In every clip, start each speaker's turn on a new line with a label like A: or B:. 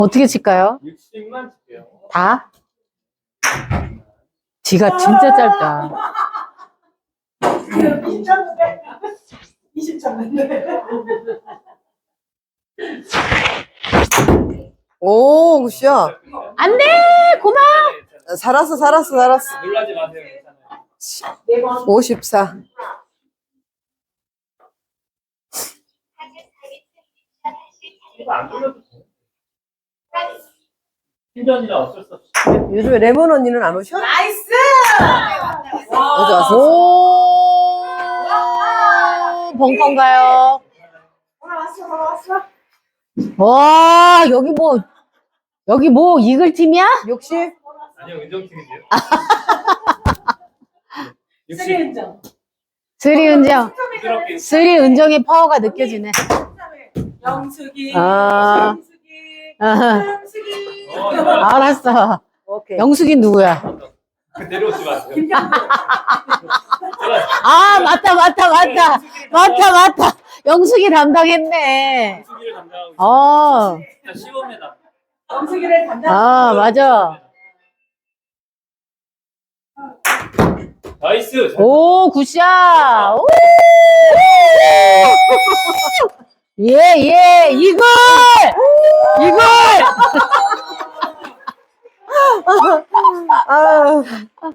A: 어떻게 칠까요?
B: 60만 칠게요.
A: 다? 지가 진짜 짧다.
C: 20점.
D: 오, 굿샷.
A: 안 돼! 고마워!
D: 살았어.
B: 놀라지 마세요. 괜찮아요.
D: 54.
B: 이거 안 돌려도 돼요. 신전이라 어쩔 수 없이.
D: 요즘에 레몬 언니는 안 오셔?
C: 나이스!
D: 어제 왔어.
A: 오! 벙커인가요?
C: 돌아왔어.
A: 와, 여기 뭐, 이글 팀이야?
D: 60?
B: 아니요, 은정팀인데요.
C: 3점.
A: 쓰리 은정.
B: 부드럽게.
A: 쓰리 은정의 파워가 느껴지네.
C: 영숙이.
A: 아.
C: 영숙이.
A: 아하.
C: 영숙이.
A: 알았어.
D: 오케이.
A: 영숙이 누구야?
B: 내려오지 마세요.
A: 아, 맞다. 영숙이 담당했네.
B: 수기를 담당하고
A: 어,
B: 있습니다. 시범에다.
C: 영숙이를 담당.
A: 아, 맞아.
B: 나이스.
A: 오, 굿샷. 오! 예, 이글!
D: 아.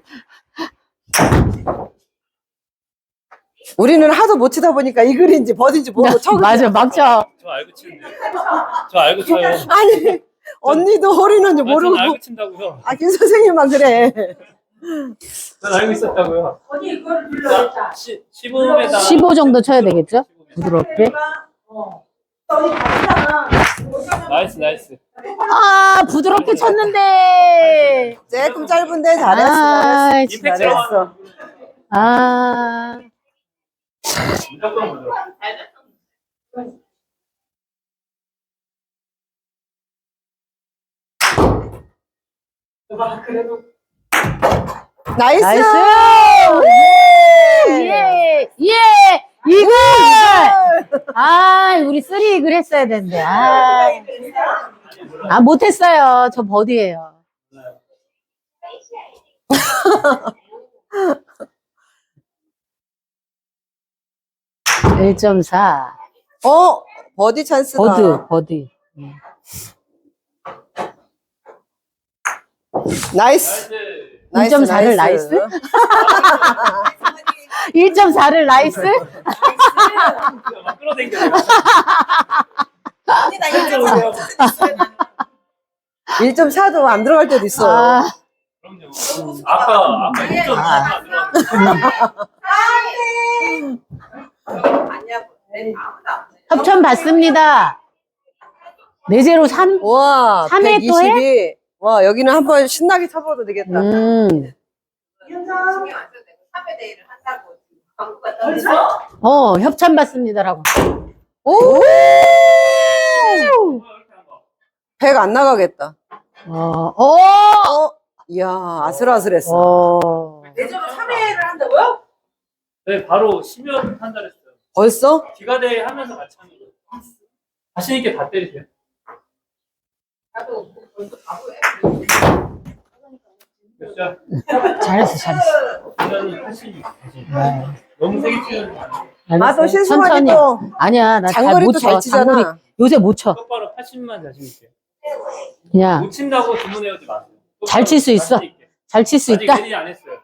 D: 우리는 하도 못 치다 보니까 이 글인지 버딘지 모르고 쳐.
A: 맞아, 막 쳐.
B: 저 알고 치는데. 저 알고 쳐요.
D: 아니, 언니도 허리는지 모르고.
B: 전 알고 친다고요.
D: 아, 김 선생님만 그래.
B: 전 알고 있었다고요.
C: 언니 이거를 눌러야겠다.
B: 시범에다.
A: 15 정도 쳐야 되겠죠? 부드럽게.
C: 언니 다르잖아.
B: 나이스.
A: 아, 부드럽게 쳤는데.
D: 조금 짧은데
A: 아,
B: 임팩트
D: 잘했어.
A: 아,
B: 무조건 부드럽고.
C: 그래도
D: 나이스!
A: 나이스! 이글! 아, 우리 쓰리 이글 했어야 되는데. 못했어요. 저 버디예요. 1.4.
D: 버디 찬스다.
A: 버디.
D: 나이스.
A: 1.4를 나이스? 1.4를 나이스?
B: 막 끌어당겨.
C: 언니 나
D: 1.4도 안 들어갈 때도 있어.
A: 아,
B: 그럼요. 아까 1.4가 들어왔는데.
C: 아니야. 아무도 안 해.
A: 협찬 받습니다. 내제로 3?
D: 와,
A: 3회 또 해?
D: 122. 와, 여기는 한번 신나게 쳐봐도 되겠다.
C: 신경 안 써도 되고 3회 대회를 한다고 광고가 떨어져.
A: 협찬 받습니다라고.
D: 오! 100 안 나가겠다. 이야, 아슬아슬했어.
C: 내적으로 3회를 한다고요?
B: 네, 바로 심연 판단했어요.
D: 벌써?
B: 기가대회 하면서 같이 하는 거예요. 자신 있게 다 때리세요.
C: 나도 벌써 바보야.
B: 몇 점?
A: 잘했어.
B: 완전히 80. 너무 세게 치는 거 아니에요.
D: 아, 또 실수하니
A: 천천히.
D: 또.
A: 아니야, 나 잘
D: 장거리
A: 못
D: 또
A: 쳐.
D: 잘 치잖아.
A: 장거리 요새 못 쳐.
B: 똑바로 80만 자신 있게.
A: 그냥
B: 못 친다고 주문해오지 마세요.
A: 잘 칠 수 있어.
B: 자신 있게.
A: 잘 칠 수
B: 아직
A: 있다.
B: 내리 안 했어요.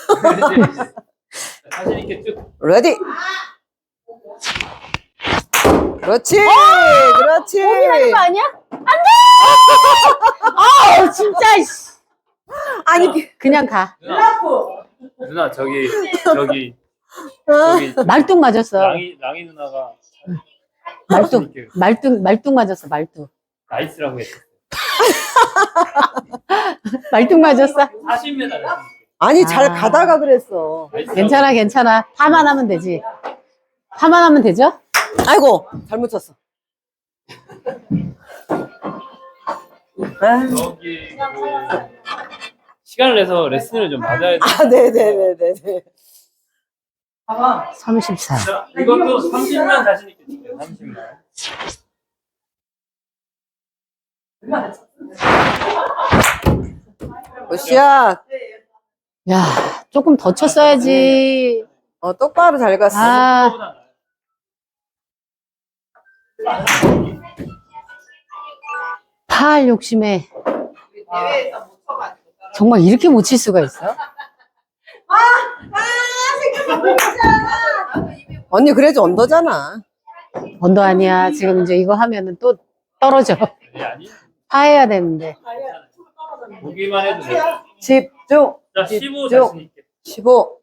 B: 자신 있게 쭉.
D: 레디. 그렇지. 그렇지.
A: 고민하는 거 아니야? 안 돼! 진짜. 씨.
D: 아니,
A: 그냥 가.
B: 누나 저기
A: 말뚝 맞았어.
B: 랑이 누나가
A: 말뚝 맞았어. 말뚝.
B: 나이스라고 했어.
A: 말뚝 맞았어.
B: 40m.
D: 아니, 잘 가다가 그랬어.
A: 괜찮아. 파만 하면 되지. 파만 하면 되죠?
D: 아이고, 잘못 쳤어. 아,
B: 저기 시간을 내서 레슨을 좀 받아야 돼.
D: 네네네네.
A: 34.
B: 자, 이것도 30만 자신 있게 칠게요. 30만.
D: 굿샷.
A: 야, 조금 더 쳤어야지.
D: 똑바로 잘 갔어.
A: 아, 팔 욕심에
C: 우리 대회에서 못 쳐가지고.
A: 정말 이렇게 못 칠 수가 있어?
D: 언니 그래도 언더잖아.
A: 언더 아니야. 지금 이제 이거 하면은 또 떨어져.
B: 아니?
A: 파해야 되는데.
B: 보기만 해도 돼.
D: 집중.
B: 자, 15
D: 집중.
B: 자신 있게.
D: 15.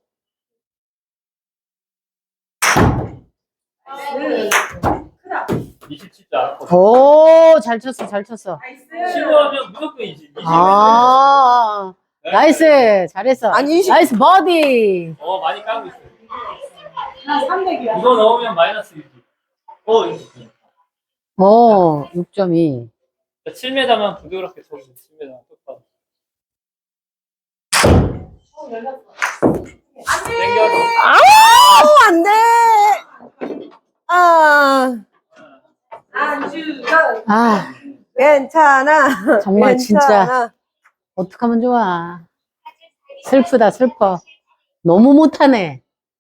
C: 나이스.
B: 27자.
A: 오, 잘 쳤어, 잘 쳤어.
B: 15 하면 무조건 20. 20.
A: 아, 나이스. 잘했어.
D: 아니, 20.
A: 나이스 버디.
B: 많이 까고 있어.
C: 한 300이야.
B: 이거 넣으면 마이너스 6.
A: 오, 6.2.
B: 7m만 부드럽게 쳐주세요. 7m 똑바로. 땡겨서.
D: 아우, 안 돼. 아,
C: 안주가.
A: 아,
D: 괜찮아.
A: 정말 진짜.
D: 괜찮아.
A: 어떡하면 좋아. 슬프다, 슬퍼. 너무 못하네.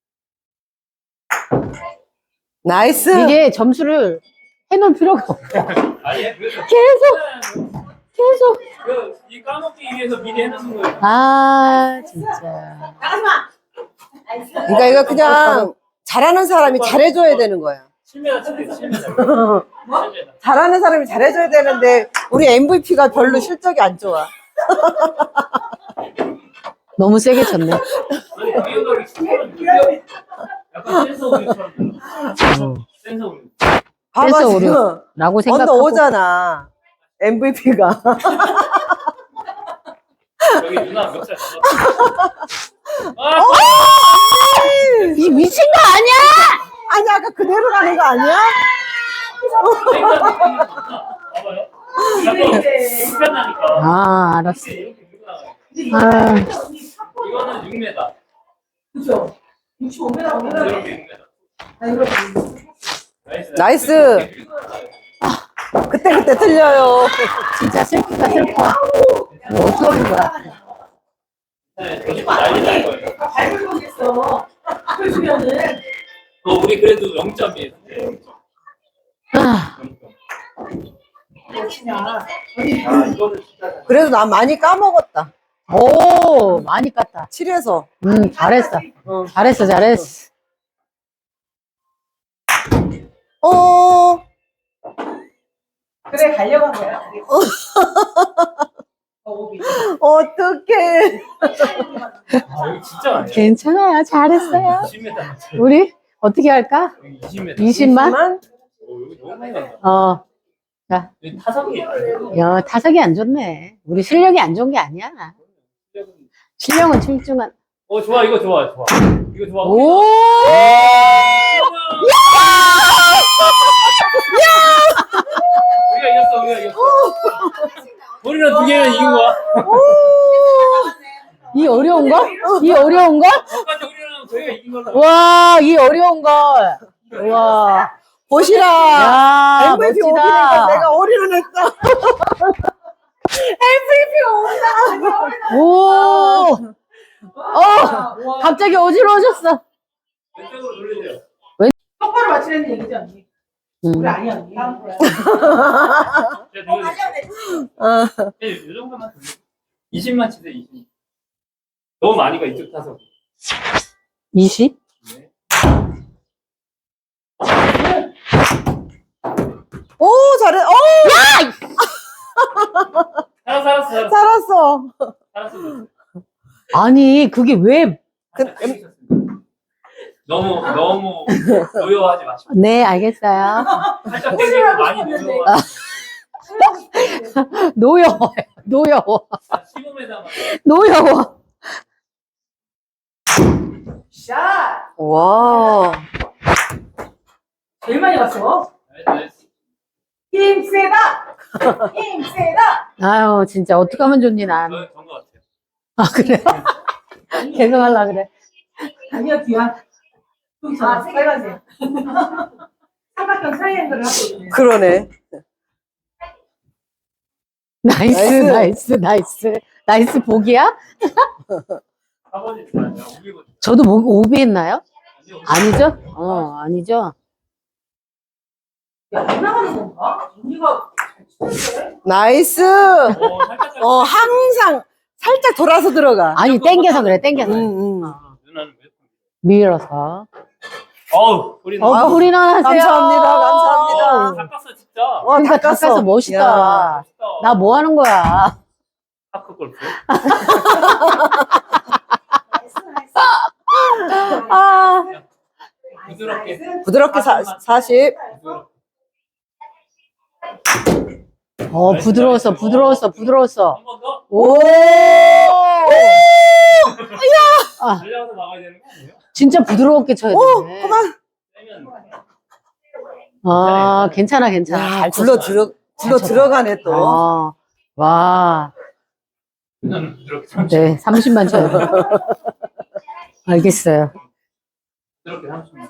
D: 나이스.
A: 이게 점수를 해놓을 필요가 없어.
B: 아니, 그래서
A: 계속.
B: 이 까먹기 위해서 미리 해놓는 거예요.
A: 아, 진짜.
C: 나가지마. 나이스.
D: 그러니까 이거 그냥 잘하는 사람이 잘해줘야 되는 거야.
B: 7m 칠게요. 7m. 7m.
D: 잘하는 사람이 잘해줘야 되는데 우리 MVP가 별로 실적이 안 좋아.
A: 너무 세게 쳤네.
B: 아니, 위험하게 치면 약간 센서 오류처럼. 센서 오류.
D: 봐봐
A: 그래서
D: 지금
A: 라고
D: 언더
A: 생각하고.
D: 오잖아. MVP가.
B: 여기 누나 몇살 아,
A: 이 미친 거 아니야?
D: 아니 아까 그대로 가는 거 아니야?
B: 봐봐요. 약간 불편하니까.
A: 아, 알았어.
B: 이렇게 밀고 나가요.
A: 아,
B: 이거는 6m.
C: 그죠? 65m.
B: 이렇게 6m.
D: 나이스. 그때 틀려요.
A: 진짜 슬프다, 슬퍼. 어떻게 하는 거야?
B: 네, 난리 날 거예요.
C: 밟을 뻔했어. 그러면은.
B: 우리 그래도 0점이에요.
A: 아,
C: 치냐.
B: 이거는 진짜.
D: 그래도 난 많이 까먹었다.
A: 오, 많이 깠다.
D: 7에서.
A: 잘했어.
D: 어.
A: 잘했어, 잘했어.
C: 그래 가려고 한 거야. 오비.
D: 어떡해.
B: 여기 진짜 많아요.
A: 괜찮아요. 잘했어요.
B: 20m.
A: 우리 어떻게 할까?
B: 여기 20m.
A: 20만?
B: 여기 너무 많이 간다.
A: 자,
B: 여기 타석이
A: 야, 타석이 안 좋네. 우리 실력이 안 좋은 게 아니야. 실력은 출중한.
B: 좋아, 이거 좋아, 좋아. 이거 좋아.
A: 오!
B: 우리가 이겼어, 우리가 이겼어. 우리는 2개는 이긴 거야.
A: 이 어려운 거? 이 어려운 거?
B: 아까지 우리는 저희가 이긴 걸로.
A: 와, 이 어려운 거. 와.
D: 보시라.
A: 야,
D: MVP
A: 멋지다.
D: 오리니까 내가 오리를 했어.
A: 오! 갑자기 어지러워졌어.
B: 왼쪽으로 돌리세요.
C: 똑바로 맞추라는 얘기지 언니. 우리 아니야 언니.
B: 제가 돌려드릴게요. 이 정도만 돌려. 20만 치세요, 20. 너무 많이 가, 이쪽 타석.
A: 20?
B: 네.
D: 오, 잘해.
B: 살았어.
D: 살았어.
B: 살았어.
A: 아니, 그게 왜.
B: 너무 노여하지 마시고.
A: 네, 알겠어요.
B: 살짝 땡기고 많이 노여워.
A: 노여워요. 노여워.
B: 15m만.
A: 노여워.
C: 샷.
D: 와.
C: 제일 많이 갔어. 힘 세다. 힘 세다.
A: 아유, 진짜 어떡하면 좋니, 난.
B: 전거 같아요.
A: 아, 그래요? 계속 하려 그래.
C: 아니야 귀야. 여기서 빨간색. 삼각형 트라이앵글을 하고 있네.
D: 그러네.
A: 나이스 복이야?
B: 4번이 아니야. 5번.
A: 저도 오비 했나요?
B: 아니요.
A: 아니죠? 아니죠?
C: 안 나가는 건가? 언니가 잘 치는데?
D: 나이스.
B: 살짝
D: 항상 살짝 돌아서 들어가.
A: 아니, 땡겨서 그래, 땡겨서.
B: 누나는 왜?
A: 밀어서.
B: 어우, 우리
A: 우리 나하세요.
D: 감사합니다. 감사합니다.
B: 닦았어 진짜.
A: 그러니까 닦아서 멋있다.
D: 야.
A: 나 뭐 하는 거야?
B: 파크 골프.
A: 아,
B: 부드럽게.
D: 부드럽게 40.
A: 부드러웠어.
B: 한 번 더.
A: 오! 아,
B: 달려가서 나가야 되는 거 아니에요?
A: 진짜 부드럽게 쳐야 되네.
D: 그만.
B: 세면
A: 아, 괜찮아.
D: 야, 굴러 들어가네 또.
A: 와.
B: 누나는 부드럽게
A: 네, 30만 쳐야 돼. 알겠어요.
B: 부드럽게 30만.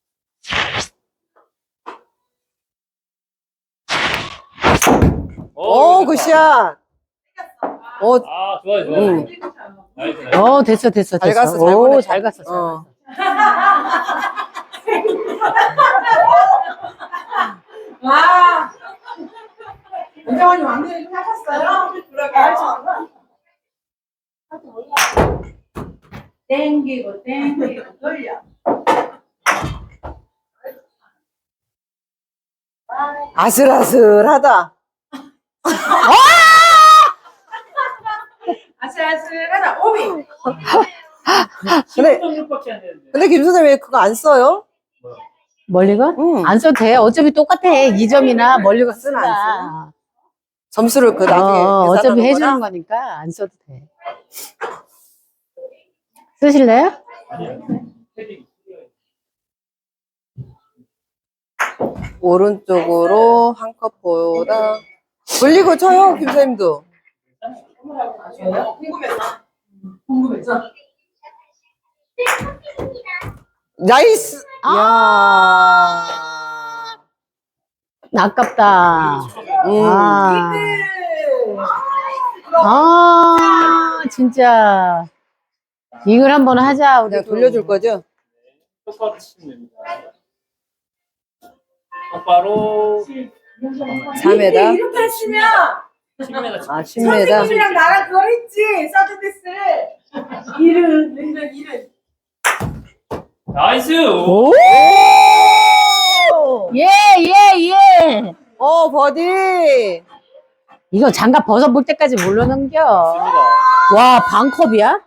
D: 오, 굿샷. 오,
B: 아, 좋아요.
D: 응.
B: 나이스.
A: 됐어.
D: 잘 갔어, 잘
A: 오,
D: 보냈다.
A: 잘 갔어.
C: 와. 은정언니 완전히 좀 하셨어요? 그러게요. 땡기고 돌려.
D: 아슬아슬하다.
C: 아슬아슬하다. 오비.
D: 근데-
B: 16밖에 안 되는데.
D: 근데 김 선생님 왜 그거 안 써요?
A: 멀리가?
D: 응.
A: 안 써도 돼. 어차피 똑같아. 2점이나 멀리가
D: 쓰나,
A: 쓰나.
D: 점수를 그 나중에
A: 어차피
D: 계산하는
A: 해주는
D: 거나?
A: 거니까 안 써도 돼. 쓰실래요?
B: 아니요. 헤딩.
D: 오른쪽으로 한 컵보다 돌리고 쳐요, 김 선생님도.
C: 궁금해서.
D: 나이스. 야.
A: 아깝다.
D: 음.
A: 진짜. 이걸 한번 하자. 우리
D: 내가 돌려줄 거죠?
B: 똑바로 치시면 됩니다. 똑바로
D: 4m.
C: 이렇게 하시면
B: 10m.
D: 아, 10m.
C: 선생님이랑 나랑 그걸 했지. 서드데스를. 일은.
B: 나이스.
A: 오! 예.
D: 버디.
A: 이거 장갑 벗어볼 때까지 몰라 넘겨. 와, 반컵이야?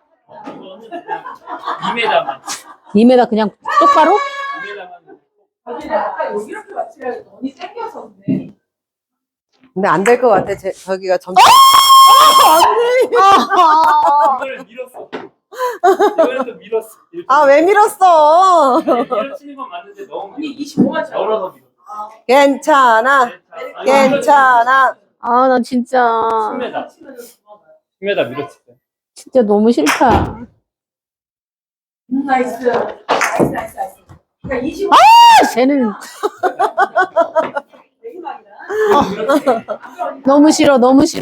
B: 2m만.
A: 2m 그냥 똑바로?
B: 2m만.
C: 아까 여기 이렇게 맞추려고 언니 땡겨서 그래.
D: 근데 안 될 것 같아. 저기가 점수.
B: 이거를 밀었어. 이거를 또 밀었어.
D: 아, 왜 밀었어?
B: 밀어치는 건 맞는데 너무
C: 언니 25만 쳐.
B: 열어서 밀었어.
D: 괜찮아. 괜찮아.
A: 나 진짜.
B: 10m. 10m 밀었지.
A: 진짜 너무 싫다.
C: 나이스. 그러니까 25.
A: 쟤는
C: 내기막이다.
A: 너무 싫어.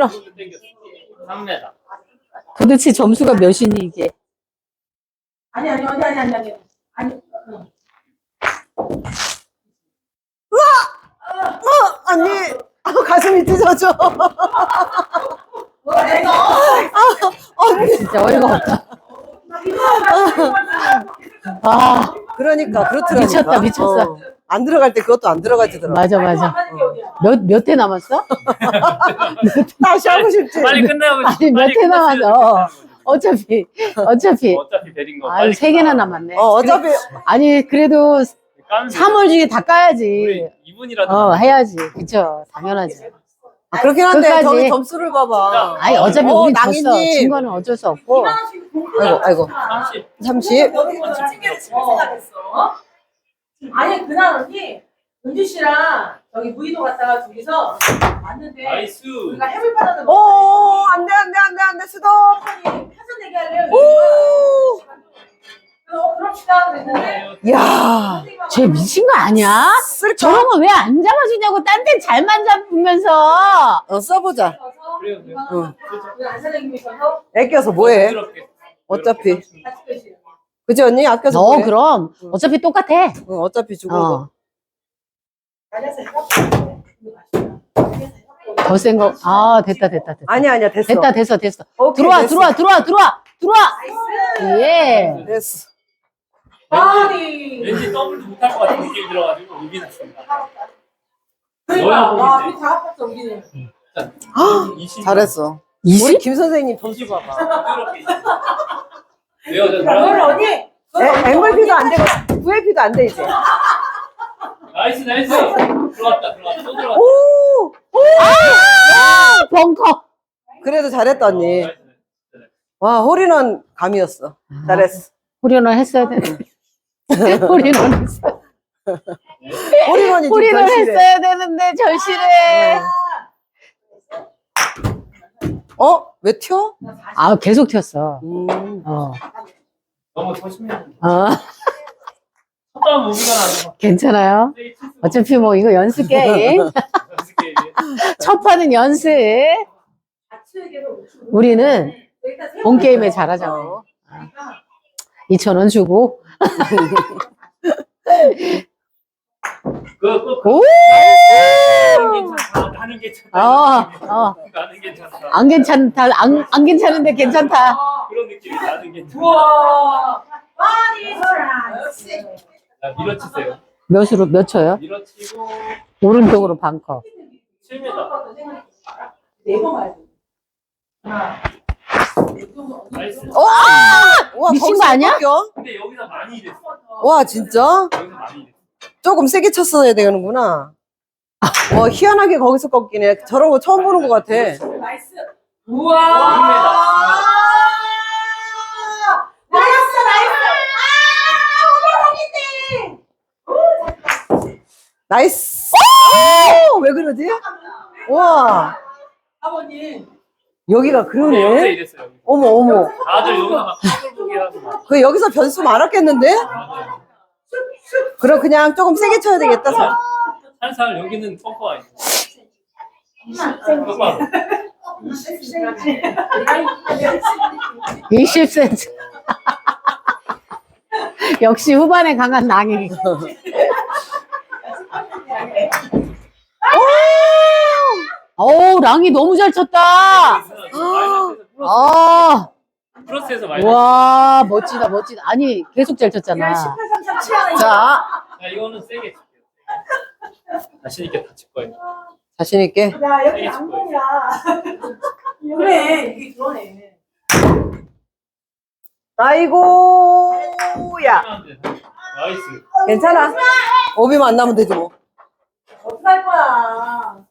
B: 3m.
A: 도대체 점수가 몇이니, 이게?
C: 아니. 아니.
D: 언니. 가슴이 찢어져.
A: 진짜 어이가 없다.
D: 그러니까, 그렇더라니까.
A: 미쳤어.
D: 안 들어갈 때 그것도 안 들어가지더라고.
A: 맞아. 몇 회 남았어?
D: 다시 하고 싶지.
B: 빨리 끝내고
A: 아니, 몇 회 남았어. 어차피.
B: 어차피 베린 거.
A: 아유, 3개나 남았네.
D: 어차피.
A: 아니, 그래도 3월 중에 다 까야지.
B: 2분이라도.
A: 해야지. 그쵸. 당연하지.
D: 그렇긴 한데,
A: 끝까지.
D: 저기 점수를 봐봐.
A: 아니, 어차피 우리 졌어.
D: 낭인님.
A: 진 거는 어쩔 수 없고.
D: 아이고.
B: 30.
D: 30.
C: 여기서 집중해서 집중가 됐어. 아니 그날 언니 은주 씨랑 저기 무의도 갔다가 둘이서 왔는데
B: 나이스.
C: 우리가 해물 바나나
D: 오, 안 돼, 스톱.
C: 편선 얘기할래요?
D: 오.
C: 그럽시다 그랬는데
D: 야,
A: 쟤 미친 거 아니야?
D: 쓸까?
A: 저런 거 왜 안 잡아주냐고, 딴 데 잘만 잡으면서.
D: 써보자.
C: 그래서
B: 그래요, 그래요.
D: 응.
C: 우리 안사장님이셔서
D: 애껴서 뭐해?
B: 부드럽게.
D: 어차피.
B: 부드럽게
C: 같이 계시는
D: 그지 언니? 아껴서
A: 너
D: 뭐해?
A: 그럼 어차피 똑같아.
D: 응, 어차피 죽은 거.
A: 어.
C: 안에서 해갖고
A: 더 센 거. 아, 됐다.
D: 아니야 됐어.
A: 됐어.
D: 오케이,
A: 들어와.
D: 됐어.
C: 나이스.
A: 예.
D: 됐어.
C: 아니
B: 왠지 더블도 못할 것 같은 느낌이 들어가지고 이긴 했습니다.
C: 그러니까
B: 너야
C: 와
B: 보이지?
C: 우리 다 합쳤어 우리는
D: 헉,
B: 20.
D: 잘했어.
A: 20?
D: 우리 김 선생님 점수 봐봐.
B: 부드럽게. 왜요? 저
C: 그걸 언니
D: MVP도 안 되고 VIP도 안 돼 이제.
B: 나이스. 들어갔다. 또 들어갔다.
D: 오!
A: 벙커.
D: 그래도 잘했다 언니.
B: 나이스.
D: 와 홀인원 감이었어. 잘했어.
A: 홀인원 했어야 되는데. 홀인원 했어.
D: 홀인원이 좀
A: 홀인원
D: 절실해.
A: 했어야 되는데 절실해.
D: 왜 튀어?
A: 아, 계속 튀었어. 어.
B: 너무 조심해야
A: 어.
B: 첫번 무기가 나서
A: 괜찮아요. 어차피 뭐 이거 연습 게임. 첫 판은 연습. 우리는 본 게임에 잘하자고. 2,000원 주고. 오!
B: 나는 괜찮다. 나는 괜찮다.
A: 안 괜찮다. 안 괜찮은데 괜찮다.
B: 그런 느낌이 나는 괜찮다.
C: 우와 많이 역시
B: 자, 밀어치세요.
A: 몇 초요?
B: 밀어치고
A: 오른쪽으로 반컵.
B: 7m.
C: 네번 가야 돼 하나
B: 나이스.
D: 와
A: 미친
D: 거기서
A: 거 아니야?
D: 꺾여?
B: 근데 여기서 많이 이랬어.
D: 와 진짜?
B: 여기서 많이 이랬어.
D: 조금 세게 쳤어야 되는구나. 와 희한하게 거기서 꺾이네. 저런 거 처음 보는 것 같아.
C: 나이스 우와
D: 나이스. 왜 그러지? 와
C: 아버님
D: 여기가
B: 근데 여기서
D: 그러네.
B: 이랬어요. 여기.
D: 어머.
B: 다들 여기서 막 걸 보게 하고 막.
D: 그 여기서 변수 많았겠는데?
B: 맞아요.
D: 그럼 그냥 조금 세게 쳐야 되겠다.
B: 한살 여기는 펑커 아니고. 펑커.
A: 20cm. 역시 후반에 강한 낭이. 어우, 랑이 너무 잘 쳤다. 아,
B: 플러스에서 마이너스.
A: 와, 멋지다. 아니, 계속 잘 쳤잖아.
D: 자,
B: 자, 이거는 세게 칠게요. 자신 있게 다 칠 거예요.
D: 자신 있게.
C: 야 여기 양봉이야 그래 이게 그러네
D: 아이고, 야,
B: 나이스.
D: 괜찮아. 오비만 안 나면 되지 뭐.
C: 어떡할 거야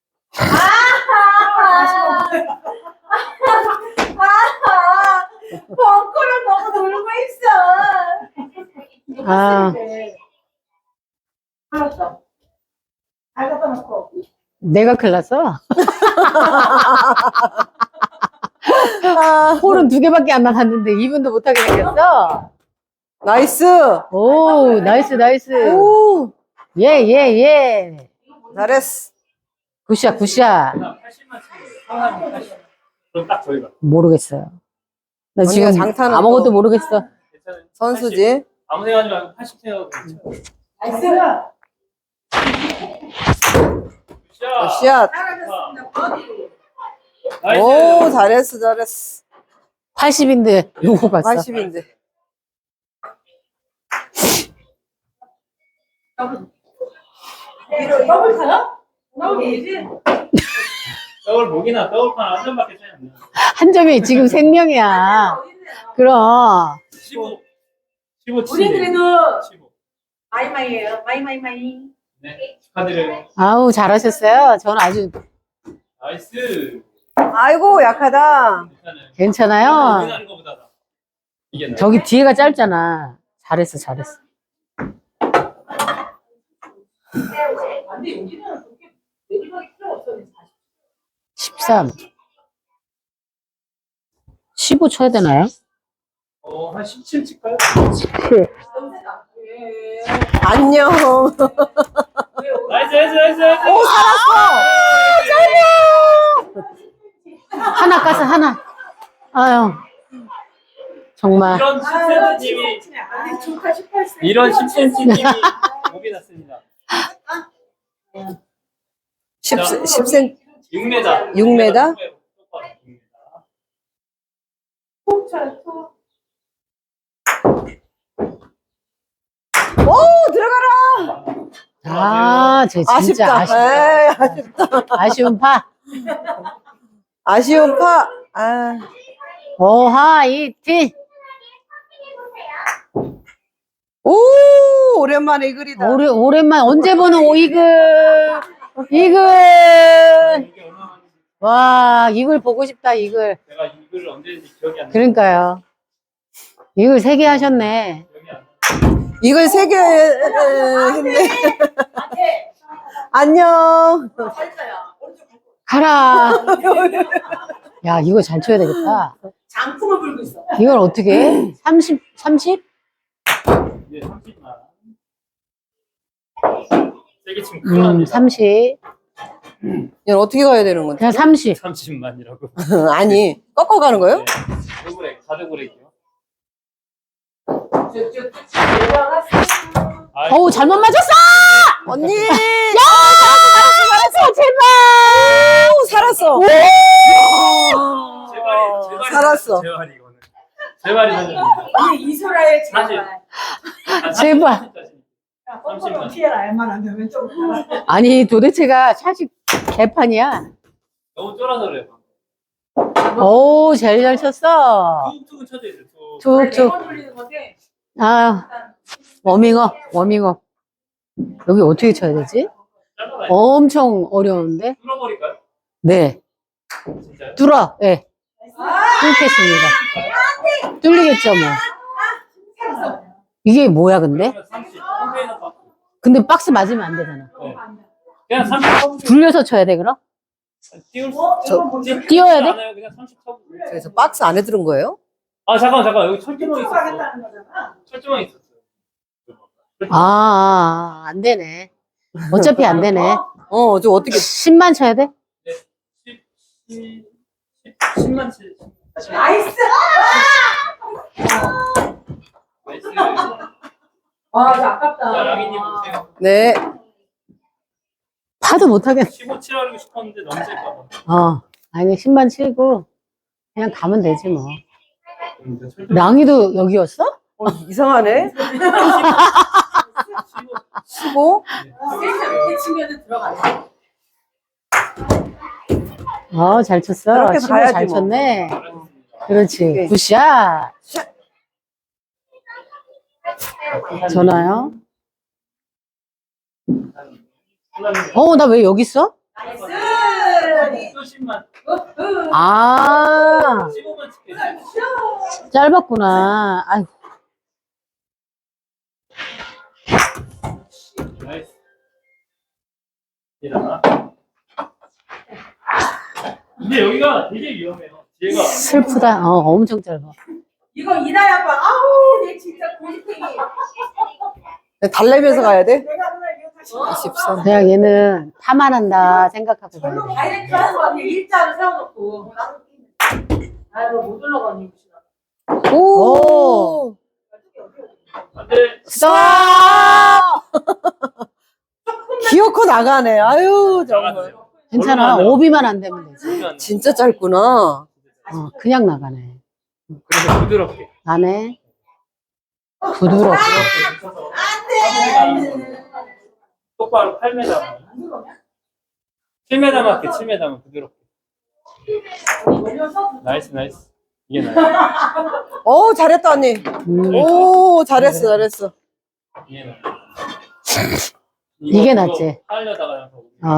C: 벙커를 너무 놀고 있어
A: 아.
C: 알았어 잘 갖다 놓고
A: 내가 큰일 났어.
D: 아,
A: 홀은 2개밖에 안 나갔는데 2분도 못하게 생겼어.
D: 나이스.
A: 오, 나이스.
D: 오,
A: 예.
D: 잘했어.
A: 굿샷.
B: 80만 치고 80. 그럼 딱 저희가.
A: 모르겠어요. 나 지금
D: 언니가 장타는
A: 아무것도
D: 또-
A: 모르겠어.
B: 괜찮아요.
D: 선수지.
B: 아무 생각하지 말고 80 생각하고 괜찮아요.
C: 나이스
B: 샷.
D: 샷.
C: 잘하셨습니다 버디
B: 나이스.
D: 오, 잘했어.
A: 80인데 요거 봤어.
D: 80인데.
C: 더블 타요? 더블이지?
B: 더블 목이나 더블판 한 점밖에 차이 안 나요.
A: 한 점이 지금 생명이야. 그럼
B: 15. 15
C: 우리
B: 치네.
C: 그래도
B: 15.
C: 마이마이예요 마이마이
B: 네. 축하드려요.
A: 아우 잘하셨어요. 저는 아주
B: 나이스.
D: 아이고, 약하다.
B: 괜찮아요.
A: 괜찮아요.
B: 우리나라 거보다 나. 이게 나아요.
A: 저기 뒤에가 짧잖아. 잘했어.
C: 근데 여기는 그렇게 내리막이 필요 없었는데
A: 13. 15 쳐야 되나요?
B: 한 17 칠까요?
A: 17.
D: 안녕.
B: 나이스.
D: 오, 살았어.
A: 하나 깠어, 하나. 아유. 정말.
B: 이런 10cm님이
C: 아니 조카 18세.
B: 이런 10cm님이 목이 났습니다.
D: 10cm.
B: 6m.
D: 6m?
C: 톡 쳐요 톡.
D: 오, 들어가라!
A: 아, 쟤 진짜
D: 아쉽다. 에이, 아쉽다.
A: 아쉬운 파.
D: 아쉬운 파. 아,
A: 오하이티.
D: 오, 오랜만에 이글이다.
A: 오랜만, 언제 보는 오이글. 이글.
B: 이게 얼마나
A: 와, 이글 보고 싶다, 이글.
B: 제가 이걸 언제 했는지 기억이 안 나요.
A: 그러니까요. 이글 3개 하셨네.
B: 기억이 안 나요.
D: 이글 3개 했네.
C: 안돼.
D: 안녕.
C: 잘했어요. 오른쪽 갈 거야.
A: 가라. 야, 이거 잘 쳐야 되겠다.
C: 장풍을 불고 있어.
A: 이걸 어떻게 해? 30? 30?
B: 이제 30만. 세게 치면 큰일 납니다.
A: 30.
D: 이건 어떻게 가야 되는 건데?
A: 그냥 30.
B: 30만이라고.
D: 아니, 꺾어 가는 거예요?
B: 가드브레이크, 가드브레이크요.
C: 쭉쭉쭉 내려갔어.
A: 어우, 잘못 맞았어!
D: 언니!
A: 잘했어, 제발!
D: 오, 살았어.
B: 제발이
D: 살았어.
B: 제발이 이거는. 제발이 살렸습니다.
C: 언니 이소라의
B: 사실.
C: 제발.
A: 제발.
C: 야, 뻔뻔한 피해라 알만 하면 왼쪽으로.
A: 아니, 도대체가 샷이 개판이야.
B: 너무 쫄아서 그래요.
A: 오, 제일 잘 쳤어.
B: 툭툭은 쳐져야 돼요. 툭.
A: 툭툭.
C: 네번 돌리는 건데.
A: 아, 워밍업, 워밍업. 여기 어떻게 쳐야 되지?
B: 잘라봐요.
A: 엄청 어려운데?
B: 뚫어버릴까요?
A: 네.
B: 진짜요?
A: 뚫어, 예. 뚫겠습니다. 뚫리겠죠, 뭐. 이게 뭐야, 근데?
B: 그러면 30. 컨테이너 박스.
A: 근데 박스 맞으면 안 되잖아.
B: 네. 그냥 30
A: 굴려서 쳐야 돼, 그럼?
B: 띄울 수
A: 띄워야 돼?
B: 않아요. 그냥 30 쳐보고.
D: 그래서 박스 안에 들은 거예요?
B: 아 잠깐 여기 철조망 있었어.
C: 가겠다는 거잖아.
B: 철조망 있었어요.
A: 안 되네. 어차피 안 되네.
D: 저 어떻게.
A: 10만 쳐야 돼?
B: 10만 치.
C: 나이스.
B: 나이스.
C: 와, 이거 아깝다.
B: 자, 랑이님 보세요.
D: 네.
A: 파도 못하겠네.
B: 15 치라고 싶었는데 너무 셀까봐.
A: 아니, 10만 치고, 그냥 가면 되지, 뭐.
B: 철조망
A: 랑이도 여기였어?
D: 이상하네. 15?
C: 세상 이렇게 치면은 들어가네.
A: 잘 쳤어.
D: 그렇게
A: 15
D: 가야지,
A: 잘
D: 뭐.
A: 쳤네.
B: 잘했습니다.
A: 그렇지.
D: 오케이.
A: 굿샷. 전화요? 나 왜 여기 있어?
C: 나이스.
B: 또 10만.
A: 아,
B: 15만 칠게.
A: 짧았구나. 아이고.
B: 나이스. 얘들아. 근데 여기가 되게 위험해요. 뒤에가
A: 슬프다. 엄청 짧아.
C: 이거 이다희 아빠. 아우, 내 진짜 고집탱이.
D: 달래면서 가야 돼?
C: 내가 누나 이거 다시.
D: 23.
A: 그냥 얘는 파만 한다 생각하고 가야
C: 별로
A: 돼.
C: 다이렉트 하는 거 같아. 일자로 세워놓고. 아유, 못 올라가니.
D: 오!
B: 안돼.
A: 스톱!
D: 기어코 나가네. 아유, 정말.
B: 나가세요.
A: 괜찮아.
B: 얼마나
A: 오비만 안 되면 되지.
D: 진짜 짧구나.
A: 그냥 나가네.
B: 그래서 부드럽게.
A: 나네. 부드럽게.
C: 안돼.
B: 똑바로 8m. 7m 맞게 7m면 부드럽게. 나이스. 이게 나이스.
D: 잘했다, 언니. 오, 잘했어.
B: 이게 나이스.
A: 이게 낫지.
B: 하려다가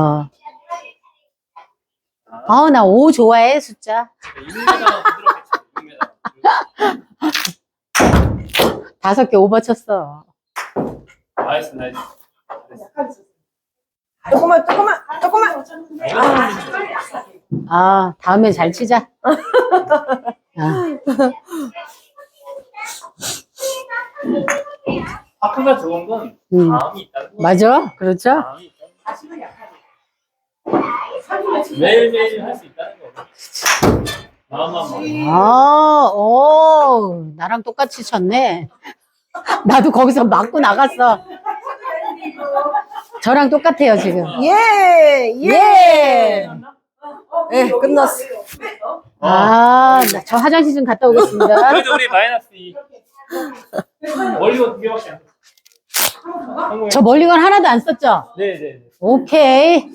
A: 나 5 좋아해, 숫자.
B: 6m만 부드럽게 쳐. 6m.
A: 5개 오버 쳤어.
B: 나이스.
D: 조금만.
A: 다음에 잘 치자.
B: 파크가 좋은 건
A: 음.
B: 마음이 있다는 거.
A: 맞아? 그렇죠?
B: 마음이 있다는 거.
C: 다시는 약하게. 30년 치지.
B: 매일매일 할 수 있다는 거. 마음만 먹으면.
A: 나랑 똑같이 쳤네. 나도 거기서 맞고 나갔어. 저랑 똑같아요, 지금.
D: 예, 예. 예, 끝났어.
A: 저 화장실 좀 갔다 오겠습니다.
B: 그래도 우리 마이너스 2. 멀리건 2개밖에 안 썼어.
A: 저 멀리건 하나도 안 썼죠?
B: 네네.
A: 오케이.
B: 오케이.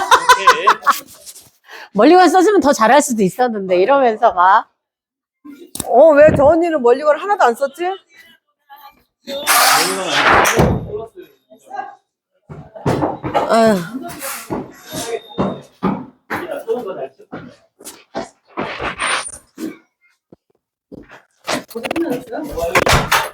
A: 멀리건 썼으면 더 잘할 수도 있었는데, 이러면서 막.
D: 왜 저 언니는 멀리건 하나도 안 썼지?
B: 멀리건 안 쓰고 플러스.
D: 아휴.
B: 조금 더 날 쳤어.
C: 어디 끝났어요?